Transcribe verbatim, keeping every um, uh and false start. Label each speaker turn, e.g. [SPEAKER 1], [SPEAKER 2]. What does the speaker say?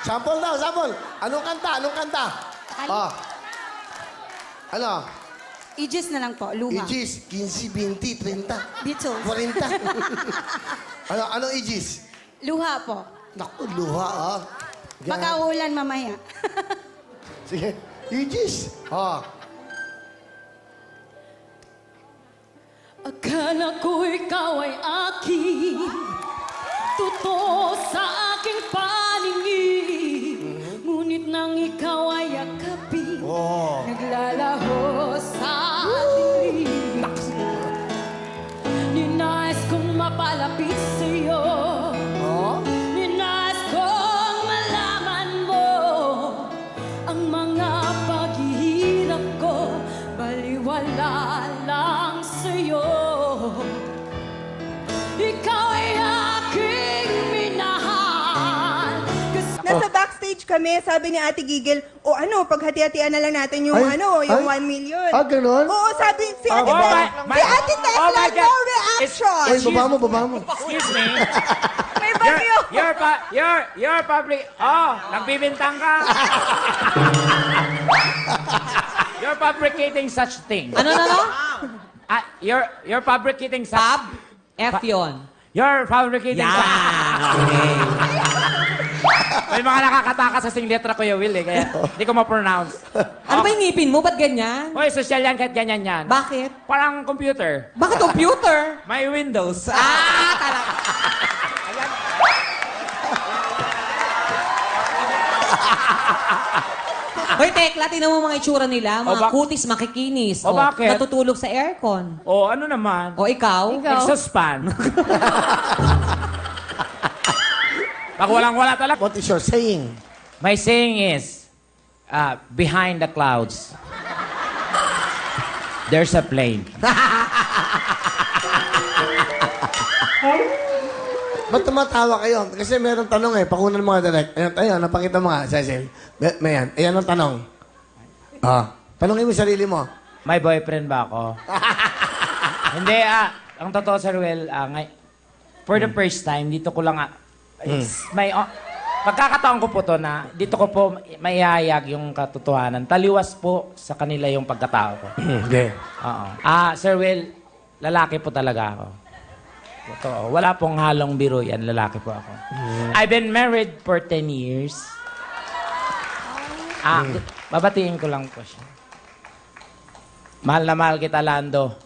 [SPEAKER 1] Sample daw, sample. Anong kanta? Anong kanta? Oh. Ano?
[SPEAKER 2] Aegis na lang po, luha.
[SPEAKER 1] Aegis, fifteen, twenty, thirty,
[SPEAKER 2] Beatles.
[SPEAKER 1] forty. Ano, anong Aegis?
[SPEAKER 2] Luha po.
[SPEAKER 1] Naku, luha, ah. Yan.
[SPEAKER 2] Magkaulan mamaya.
[SPEAKER 1] Sige. Aegis. Oh.
[SPEAKER 3] Akala ko ikaw ay aking totoo sa aking paningin. Ngunit nang ikaw ay yakapin,
[SPEAKER 1] Oh.
[SPEAKER 3] naglalaho sa dilim. Ninais kong mapalapit sa'yo.
[SPEAKER 1] Oh?
[SPEAKER 3] Ninais kong malaman mo ang mga paghihirap ko, baliwala lang sa'yo. Ikaw ay aking minahal. Kas-
[SPEAKER 4] Nasa backstage kami, sabi ni Ate Gigil, o ano, paghati-hatian na lang natin yung
[SPEAKER 1] Ay,
[SPEAKER 4] ano, yung
[SPEAKER 1] ay.
[SPEAKER 4] one million.
[SPEAKER 1] Ah, ganun?
[SPEAKER 4] Oo, sabi, si Ate
[SPEAKER 5] Oh,
[SPEAKER 4] Tek,
[SPEAKER 5] my- my-
[SPEAKER 4] si Ate Tek
[SPEAKER 5] oh, my
[SPEAKER 4] lang,
[SPEAKER 5] God.
[SPEAKER 4] no reaction.
[SPEAKER 1] Ay, baba mo, baba mo.
[SPEAKER 5] Excuse me.
[SPEAKER 4] May
[SPEAKER 5] You're,
[SPEAKER 4] bagyo.
[SPEAKER 5] you're, pa, you're, you're public... Oh, nagbibintang ka. You're fabricating such things.
[SPEAKER 6] Ano na no?
[SPEAKER 5] Ah, you're, you're fabricating such...
[SPEAKER 6] Fab? F yun.
[SPEAKER 5] You're fabricating such...
[SPEAKER 6] Yan. Okay.
[SPEAKER 5] May mga nakakataka sa sing letra, Kuya Will, eh. Kaya hindi ko ma-pronounce.
[SPEAKER 6] Ano ba yung ngipin mo? Ba't ganyan?
[SPEAKER 5] Hoy, social yan kahit ganyan yan.
[SPEAKER 6] Bakit?
[SPEAKER 5] Parang computer.
[SPEAKER 6] Bakit computer?
[SPEAKER 5] May Windows.
[SPEAKER 6] Ah, talaga. Hoy, Tekla, tingnan mo mga itsura nila. Mga
[SPEAKER 5] O, bak-
[SPEAKER 6] kutis, makikinis.
[SPEAKER 5] O, bakit?
[SPEAKER 6] Natutulog sa aircon.
[SPEAKER 5] O, ano naman?
[SPEAKER 6] O, ikaw?
[SPEAKER 5] Exhaust fan. Pag walang-wala talaga.
[SPEAKER 1] What is your saying?
[SPEAKER 5] My saying is, uh, behind the clouds, there's a plane.
[SPEAKER 1] Ba't tumatawa kayo? Kasi meron tanong eh. Pakunan mga direct. Ayun, ayun, napakita mo nga, Cecil. May, may yan. Ayan ang tanong. Ah, tanongin mo yung sarili mo.
[SPEAKER 5] May boyfriend ba ako? Hindi, ah, ang totoo, Sir Will, ah, ngay- for the first time, dito ko lang, ah, it's may, oh, pagkakataon ko po to na, dito ko po maihayag yung katotohanan. Taliwas po sa kanila yung pagkatao ko.
[SPEAKER 1] Okay.
[SPEAKER 5] Oo. Ah, Sir Will, lalaki po talaga ako. Totoo. Wala pong halong biro yan. Lalaki po ako. I've been married for ten years. Ah, babatiin ko lang po siya. Mahal na mahal kita, Lando.